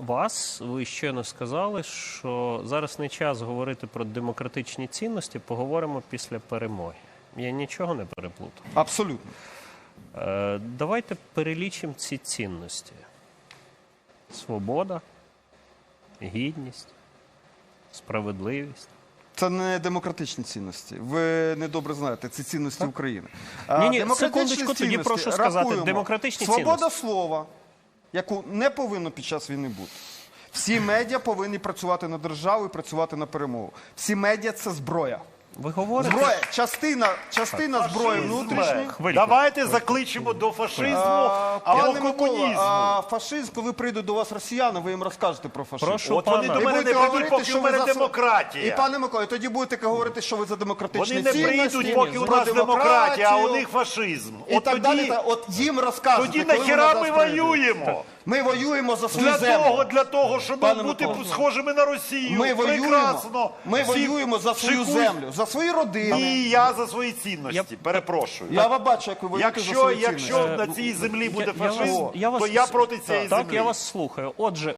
вас. Ви щойно сказали, що зараз не час говорити про демократичні цінності, поговоримо після перемоги. Я нічого не переплутав. Абсолютно. Давайте перелічимо ці цінності. Свобода, гідність, справедливість. Це не демократичні цінності. Ви недобре знаєте, це цінності України. Ні, Демократичні секундочку, тоді цінності прошу сказати, рахуємо. демократичні Свобода цінності. слова, яку не повинно під час війни бути. Всі медіа повинні працювати на державу і працювати на перемогу. Всі медіа – це зброя. Ви говорите? Зброя, частина зброї внутрішньої. Хвильку. Давайте закличемо до фашизму або Пане комунізму. Микола, фашизм, коли прийдуть до вас росіяни, ви їм розкажете про фашизм. Прошу От вони пана. до мене не будете прийдуть, говорити, поки що в ви мене за демократія. І, пане Миколо, тоді будете говорити, що ви за демократичні Вони не цінності, прийдуть, поки у про нас демократія, а у демократію. них фашизм. І От так далі. тоді, От їм розкажете. тоді коли нахіра вони ми до нас прийдуть. воюємо? Ми воюємо за свою землю. Для того, щоб Пане бути Микола. схожими на Росію. Ми Прекрасно. Ми Всі воюємо за свою шикують. землю, за свої родини. І я за свої цінності. Перепрошую. Я вам бачу, як ви воюєте за свої цінності. Якщо на цій землі буде Я вас- фашизм, я вас- то я проти цієї Так, землі. я вас слухаю. Отже,